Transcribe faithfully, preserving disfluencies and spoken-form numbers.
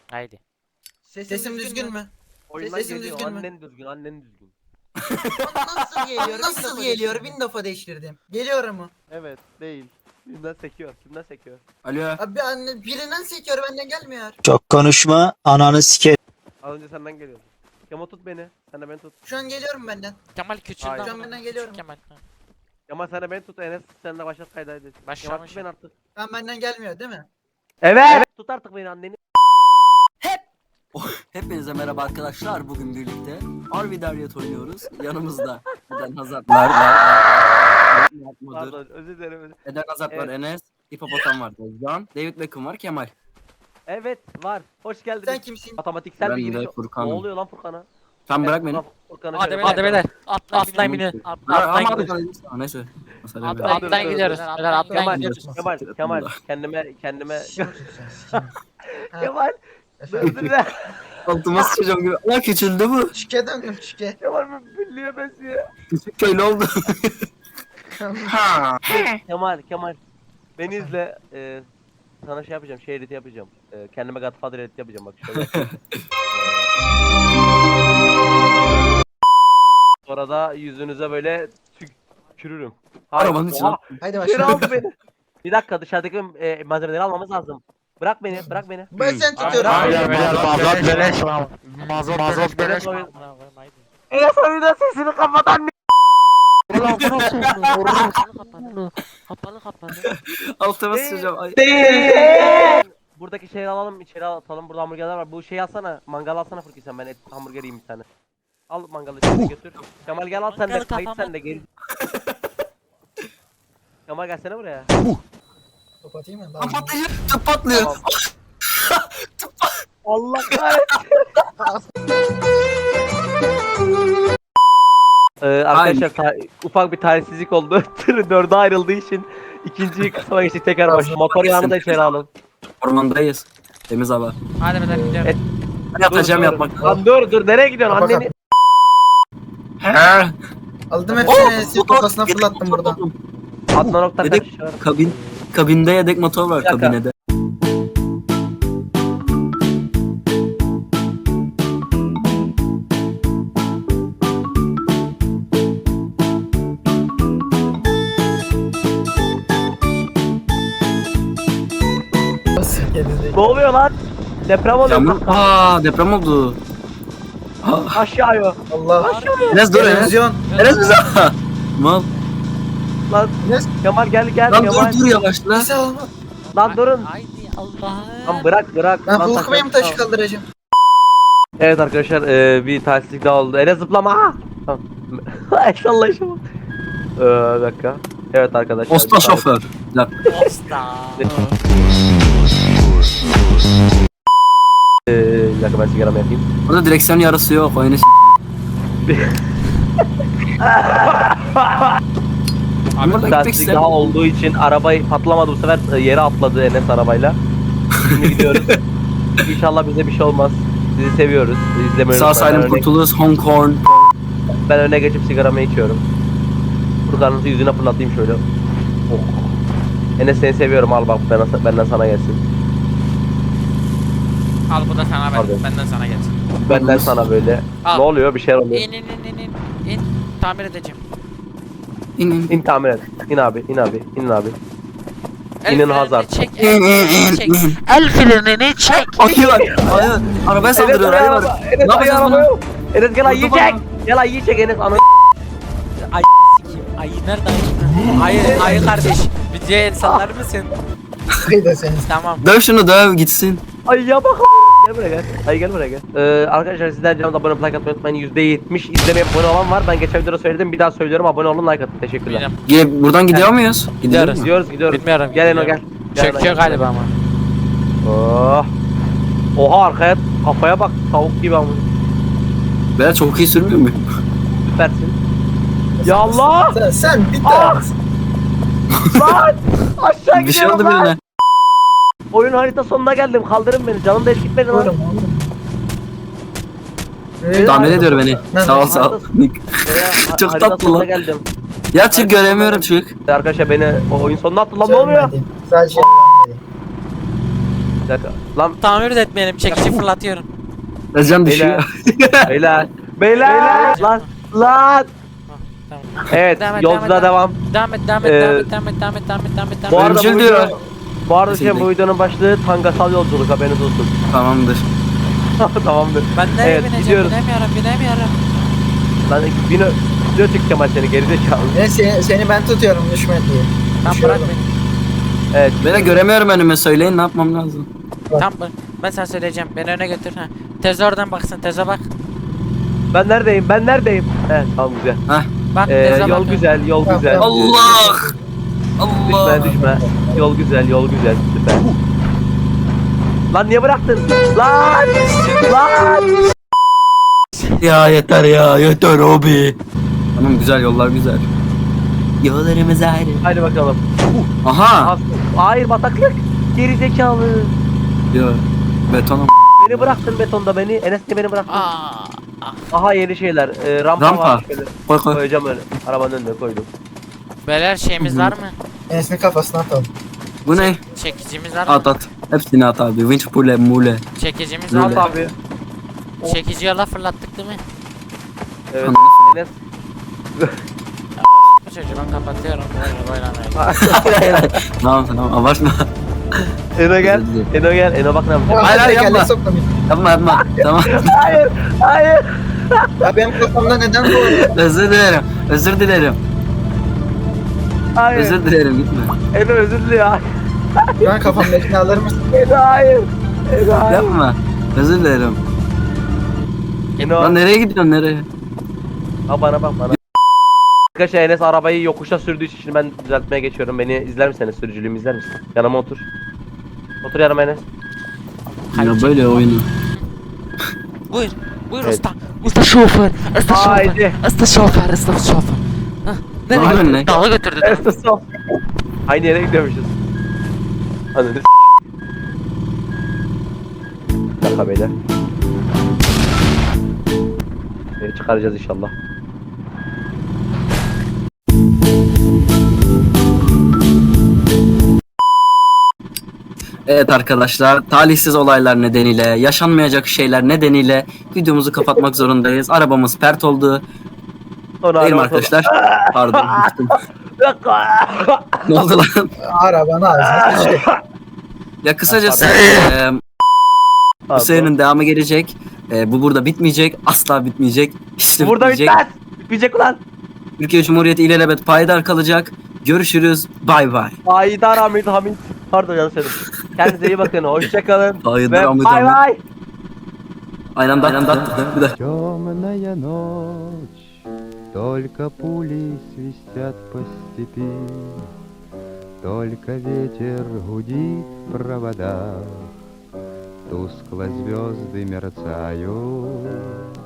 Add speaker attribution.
Speaker 1: Haydi.
Speaker 2: Sesim,
Speaker 3: Sesim düzgün mü?
Speaker 2: Oyundan
Speaker 3: Sesim
Speaker 2: geliyor.
Speaker 3: düzgün mü?
Speaker 2: Annen düzgün, annen düzgün.
Speaker 3: Nasıl geliyor? Nasıl geliyor? Bin defa değiştirdim. Geliyor mu?
Speaker 2: Evet, değil. Kimden sekiyor? Kimden sekiyor?
Speaker 4: Alo.
Speaker 3: Abi anne birinden sekiyor benden gelmiyor.
Speaker 5: Çok konuşma, ananı sike.
Speaker 2: Az önce senden geliyordu. Kemal tut beni. Sen de beni tut.
Speaker 3: Şu an geliyorum benden.
Speaker 1: Kemal küçüldü
Speaker 2: Hayır.
Speaker 1: ama.
Speaker 3: Şu an benden
Speaker 1: Küçük
Speaker 3: geliyorum.
Speaker 1: Kemal. Ha.
Speaker 2: Kemal sen de beni tut. Enes sen de başlat kayda edin. Kemal
Speaker 1: Başlamış.
Speaker 2: tut beni artık.
Speaker 3: Ben benden gelmiyor değil mi?
Speaker 2: Evet. evet. Tut artık beni anneni.
Speaker 4: Hepinize merhaba arkadaşlar. Bugün birlikte Arvidaryat oynuyoruz. Yanımızda Eden Hazard var. var. Mudur.
Speaker 2: Pardon özür dilerim. özür-
Speaker 4: Eden Hazard var.
Speaker 2: Evet.
Speaker 4: Enes. Hipopotam var. Can. David Beckham var. Kemal.
Speaker 2: Evet var. Hoş geldiniz.
Speaker 3: Sen kimsin?
Speaker 2: Matematiksel
Speaker 4: Ben
Speaker 2: bir
Speaker 4: de
Speaker 2: giriş. Ne
Speaker 4: Furkan'ım.
Speaker 2: oluyor lan Furkan'a?
Speaker 4: Sen bırak beni.
Speaker 2: Furkan- Furkan'ı
Speaker 1: Hadi
Speaker 2: şöyle-
Speaker 1: beyler. Hadi beyler. Atla atlayın binin.
Speaker 4: Ya,
Speaker 1: Atlayın
Speaker 4: ama
Speaker 1: gidiyoruz.
Speaker 4: abi, neyse. Mesela
Speaker 1: Atla-
Speaker 4: ben-
Speaker 2: Dur, dur,
Speaker 1: Atlayın
Speaker 2: dur,
Speaker 1: gidiyoruz.
Speaker 2: dur.
Speaker 1: Beyler atlayın
Speaker 2: Kemal,
Speaker 1: gidiyoruz.
Speaker 2: Kemal, Kemal, kendime, kendime,
Speaker 3: Ha,
Speaker 2: Kemal,
Speaker 3: efendim.
Speaker 2: özür dilerim.
Speaker 4: Altıma sıçacağım gibi. Aa küçüldü bu.
Speaker 3: Şike dönüyorum şike.
Speaker 2: Kemal bir birliğe benziyor.
Speaker 4: Küçük köylü oldu. ha.
Speaker 2: Kemal, Kemal, beni izle, e, sana şey yapacağım, şey editi yapacağım. E, kendime Godfather editi yapacağım bak şöyle. Sonra da yüzünüze böyle tükürürüm. Hayır,
Speaker 4: Arabanın içine.
Speaker 2: oha,
Speaker 3: Haydi
Speaker 2: içeri
Speaker 3: başlayalım.
Speaker 2: aldı beni. Bir dakika dışarıdaki e, malzemeleri almamız lazım. Bırak beni, bırak beni.
Speaker 3: Ben sen tutuyorum.
Speaker 2: Hayır,
Speaker 1: beyler mazot beleş.
Speaker 2: Mazot
Speaker 1: Mazot
Speaker 2: beleş.
Speaker 1: beleş.
Speaker 2: Enes oyunda sesini kapat anne.
Speaker 1: Ulan burası kapalı kapalı. Kapalı kapalı.
Speaker 4: Altıma sıçacağım. Ay.
Speaker 2: Buradaki şeyleri alalım, içeri atalım. Burada hamburgerler var. Bu şeyi alsana, mangal alsana Furki sen. Ben et hamburger yiyeyim bir tane. Al mangalı içeri götür. Kemal gel al sen de,
Speaker 1: Mangalı
Speaker 2: kayıt
Speaker 1: kafama-
Speaker 2: sen de gel. Kemal gelsene buraya.
Speaker 3: Kapatayım mı?
Speaker 4: Lan patlıyor. Tüp patlıyor.
Speaker 2: Tamam. Allah kahretsin. Ee, arkadaşlar ta- ufak bir talihsizlik oldu. Tırı dörde ayrıldığı için ikinci kısma geçtik tekrar baş. Motor yağını da içeri alın.
Speaker 4: Ormandayız. Temiz hava.
Speaker 1: Hadi beyler gidiyoruz.
Speaker 2: Et-
Speaker 4: Ben yatacağım
Speaker 2: Dur, dur.
Speaker 4: yatmak.
Speaker 2: Lan dur dur nereye gidiyorsun
Speaker 3: Kapat,
Speaker 2: anneni?
Speaker 4: He.
Speaker 3: Aldım
Speaker 4: Oh,
Speaker 3: hepsini sil
Speaker 4: motor.
Speaker 3: kafasına fırlattım burada.
Speaker 2: Adnan Oktar
Speaker 4: Yedek
Speaker 2: kaç?
Speaker 4: kabin. Kabinde yedek motor var
Speaker 2: Bir dakika.
Speaker 4: kabinede.
Speaker 2: Ne oluyor lan? Deprem oluyor.
Speaker 4: Yağmur. Aa deprem oldu. Aa,
Speaker 2: Aşağıya.
Speaker 3: Allah.
Speaker 4: Enes dur Enes.
Speaker 3: Televizyon.
Speaker 4: Enes bize. Mal.
Speaker 2: Lan
Speaker 3: Enes.
Speaker 2: Kemal gel gel
Speaker 4: Lan
Speaker 2: Kemal.
Speaker 4: dur dur yavaşla.
Speaker 3: Neyse alma.
Speaker 2: Lan durun.
Speaker 1: Haydi Allah'ım.
Speaker 2: Lan bırak bırak.
Speaker 3: Ben
Speaker 2: Lan
Speaker 3: Hulk Bey'im
Speaker 2: taşı-
Speaker 3: taşı kaldıracağım.
Speaker 2: Evet arkadaşlar e, bir talihsizlik daha oldu. Enes zıplama. Aa! Tamam. Eşallah eşallah. Ee, bir dakika. Evet arkadaşlar.
Speaker 4: Osta şoför. Lan.
Speaker 1: Osta.
Speaker 2: Ee, bir dakika ben sigaramı yapayım.
Speaker 4: Burada direksiyon yarısı yok. Oyunu s- Burada gitmek
Speaker 2: Talihsizlik
Speaker 4: istemiyorum.
Speaker 2: daha olduğu için arabayı patlamadı bu sefer e, yere atladı Enes arabayla. Şimdi gidiyoruz. İnşallah bize bir şey olmaz. Sizi seviyoruz. İzlemeyi
Speaker 4: Sağ
Speaker 2: unutmayın.
Speaker 4: salim
Speaker 2: Ben öne-
Speaker 4: kurtuluruz. Hong Kong.
Speaker 2: Ben öne geçip sigaramı içiyorum. Furkan'ın yüzüne fırlatayım şöyle. Oh. Enes seni seviyorum al bak benden, benden sana gelsin.
Speaker 1: Al bu da sana
Speaker 2: Pardon.
Speaker 1: ben, benden sana gelsin.
Speaker 2: Benden sana böyle.
Speaker 1: Al.
Speaker 2: Ne oluyor bir şeyler oluyor.
Speaker 1: İn in in in in. İn. Tamir edeceğim.
Speaker 4: İnin.
Speaker 2: İn tamir et. İn abi in abi in abi.
Speaker 1: El
Speaker 2: İnin
Speaker 1: frenini
Speaker 2: Hazard.
Speaker 1: Çek. El frenini çek. El frenini çek.
Speaker 4: Ayı var. Ayı. Arabaya saldırıyor. Ayı var.
Speaker 2: Enes
Speaker 4: Ne
Speaker 2: ayı
Speaker 4: yapacağız
Speaker 2: araba
Speaker 4: bunu?
Speaker 2: yok. Enes gel ayıyı
Speaker 4: Vurdu
Speaker 2: çek.
Speaker 4: bana.
Speaker 2: Gel ayıyı çek Enes anı.
Speaker 1: Ay sikeyim. Ayı nerede ayı? Ayı ayı kardeş. Videoya el sallar mısın?
Speaker 3: Haydi sen.
Speaker 1: Tamam.
Speaker 4: Döv şunu döv gitsin.
Speaker 2: Ayıya bak. Gel buraya gel. Ayı gel buraya gel. Ee, arkadaşlar sizler canımda abone olup like atmayı unutmayın. yüzde yetmiş izlemeye abone olan var. Ben geçen videoda söyledim. Bir daha söylüyorum. Abone olun like atın. Teşekkürler.
Speaker 1: Bilmiyorum.
Speaker 4: Ge- Buradan gidiyor muyuz?
Speaker 1: Gidiyoruz.
Speaker 4: mu?
Speaker 2: Gidiyoruz gidiyoruz.
Speaker 1: Bilmiyorum.
Speaker 2: Gel Eno gel. Gel
Speaker 1: Çöküyor
Speaker 2: Eno, gel.
Speaker 1: galiba ama.
Speaker 2: Oh. Oha arkaya kafaya bak tavuk gibi ama.
Speaker 4: Ben çok iyi sürmüyor muyum?
Speaker 2: Süpersin. Ya Allah!
Speaker 3: Sen, sen bir
Speaker 2: Ah!
Speaker 3: tanesin.
Speaker 2: Lan! Aşağı
Speaker 4: Bir şey
Speaker 2: gidiyorum
Speaker 4: oldu
Speaker 2: lan.
Speaker 4: birine.
Speaker 2: Oyun harita sonuna geldim. Kaldırın beni. Canım da hiç gitmedi lan.
Speaker 3: Oğlum oğlum. Ee,
Speaker 4: Tahmin ediyor beni.
Speaker 3: Ben-
Speaker 4: Sağ ol sağ ol.
Speaker 2: Oraya
Speaker 4: Çok
Speaker 2: harita
Speaker 4: tatlı
Speaker 2: sonuna
Speaker 4: lan.
Speaker 2: geldim.
Speaker 4: Ya çık göremiyorum çık.
Speaker 2: Arkadaşlar beni o oyun sonuna attı lan ne oluyor?
Speaker 3: Görmedim. Sadece
Speaker 2: Bir dakika. Lan
Speaker 1: Tamir de etmeyelim. Çekici fırlatıyorum.
Speaker 4: Özcan
Speaker 2: beyler.
Speaker 4: düşüyor.
Speaker 2: Beyler. Beyler. Lan. Lan.
Speaker 1: Tamam.
Speaker 2: Evet
Speaker 1: Devam et,
Speaker 2: yolculuğa
Speaker 1: devam
Speaker 2: devam.
Speaker 1: Devam et, devam et,
Speaker 2: Ee,
Speaker 1: devam et, devam et, devam et, devam et, devam et,
Speaker 2: Bu
Speaker 1: devam et.
Speaker 2: arada bu
Speaker 4: Ölçül
Speaker 2: video,
Speaker 4: diyor.
Speaker 2: bu arada şey, bu
Speaker 4: Kesinlikle.
Speaker 2: videonun başlığı tangasal yolculuk, haberiniz olsun.
Speaker 4: Tamamdır.
Speaker 2: Tamamdır.
Speaker 1: Ben nereye
Speaker 2: Evet,
Speaker 1: bineceğim?
Speaker 2: gidiyoruz.
Speaker 1: Binemiyorum, binemiyorum.
Speaker 2: Lan bin video çek Kemal seni gerizekalı.
Speaker 3: Ben seni, seni ben tutuyorum düşme diye.
Speaker 1: Tam
Speaker 3: Düşüyorum.
Speaker 1: bırak beni.
Speaker 2: Evet.
Speaker 4: Beni göremiyorum önüme, söyleyin ne yapmam lazım.
Speaker 1: Tam bırak. Ben sana söyleyeceğim. Beni öne götür. Ha. Teze oradan baksın. Teze bak.
Speaker 2: Ben neredeyim? Ben neredeyim? Evet tamam güzel.
Speaker 1: Bak
Speaker 2: Ee,
Speaker 1: teze
Speaker 2: yol
Speaker 1: bak.
Speaker 2: güzel, yol
Speaker 3: Tamam,
Speaker 2: güzel.
Speaker 3: tamam.
Speaker 4: Allah! Allah!
Speaker 2: Düşme düşme. Yol güzel, yol güzel. Süper. Lan niye bıraktın? Lan! Lan!
Speaker 4: Ya yeter ya, yeter abi. Tamam, güzel yollar güzel. Yollarımız ayrı.
Speaker 2: Haydi bakalım.
Speaker 4: Aha!
Speaker 2: As- Hayır bataklık. Gerizekalı.
Speaker 4: Ya betonum.
Speaker 2: Beni bıraktın betonda beni. Enes de beni bıraktın.
Speaker 1: Aa.
Speaker 2: Aha yeni şeyler. Ee, rampa,
Speaker 4: Rampa.
Speaker 2: var. Şöyle
Speaker 4: Koy koy.
Speaker 2: koyacağım öyle. Arabanın önüne koydum.
Speaker 1: Beyler şeyimiz var mı?
Speaker 3: Enes'in kafasına atalım.
Speaker 4: Bu ne?
Speaker 1: Çekicimiz var mı?
Speaker 4: At at. Hepsini at abi. Winch pule mule.
Speaker 1: Çekicimiz
Speaker 4: Öyle.
Speaker 1: var
Speaker 2: Al
Speaker 1: mı?
Speaker 2: abi.
Speaker 1: Çekici yola fırlattık değil mi?
Speaker 2: Evet. Enes.
Speaker 1: Bu çocuğu ben kapatıyorum. Böyle oynamayın.
Speaker 4: Hayır hayır hayır. Tamam tamam, abartma.
Speaker 2: Eno gel.
Speaker 4: Özür dilerim.
Speaker 2: Eno gel. Eno bak ne yapacak.
Speaker 4: Hayır, hayır,
Speaker 3: Tekerleği
Speaker 4: yapma.
Speaker 3: soktum.
Speaker 4: Yapma yapma. Tamam.
Speaker 2: Hayır. Hayır.
Speaker 3: Ya benim kafamda neden bu?
Speaker 4: Özür dilerim. Özür dilerim.
Speaker 2: Hayır.
Speaker 4: Özür dilerim, gitme.
Speaker 2: Eno özür diliyor.
Speaker 3: Şu an kafamdakini alır mısın?
Speaker 2: Eno hayır. Eno hayır.
Speaker 4: Yapma. Özür dilerim.
Speaker 2: Eno.
Speaker 4: Lan nereye gidiyorsun, nereye?
Speaker 2: Ha bana bak bana. Arkadaşlar Enes arabayı yokuşa sürdüğü için şimdi ben düzeltmeye geçiyorum. Beni izler misiniz? Sürücülüğümü izler misin? Yanıma otur. Otur yanıma Enes.
Speaker 4: Ya böyle oyunu.
Speaker 1: Buyur. Buyur
Speaker 2: Evet.
Speaker 1: usta. Usta şoför. Usta şoför.
Speaker 2: Haydi.
Speaker 1: Usta şoför. Usta şoför. Hah,
Speaker 4: Ne
Speaker 1: nereye
Speaker 4: yapıyorsun
Speaker 1: götürdü?
Speaker 4: lan?
Speaker 1: Dağa götürdü.
Speaker 2: Enes sol. Aynı yere gidiyormuşuz. Anladın. Bir dakika beyler. Beni çıkaracağız inşallah.
Speaker 4: Evet arkadaşlar, talihsiz olaylar nedeniyle, yaşanmayacak şeyler nedeniyle videomuzu kapatmak zorundayız. Arabamız pert oldu.
Speaker 2: Sonra
Speaker 4: Değil mi
Speaker 2: araba sol-
Speaker 4: arkadaşlar? Pardon. unuttum.
Speaker 2: Bir dakika.
Speaker 4: Ne oldu lan?
Speaker 3: Arabanı ağzına sıçtı.
Speaker 4: Ya kısacası eee, bu
Speaker 2: Pardon.
Speaker 4: serinin devamı gelecek. Eee, bu burada bitmeyecek. Asla bitmeyecek. Hiç de
Speaker 2: Burada
Speaker 4: bitmeyecek.
Speaker 2: bitmez. Bitmeyecek ulan.
Speaker 4: Türkiye Cumhuriyeti ilelebet payidar kalacak. Görüşürüz. Bay bay.
Speaker 2: Haydar Hamid Hamid. Pardon yanlış söyledim. Kendinize iyi bakın. Hoşçakalın.
Speaker 4: Haydar
Speaker 2: Ve
Speaker 4: Hamid
Speaker 2: bay
Speaker 4: Hamid.
Speaker 2: bay.
Speaker 4: Aynı anda aynı anda. Bir dakika.
Speaker 6: Темная ночь, только пули свистят по степи, только ветер гудит в проводах, тускло звезды мерцают,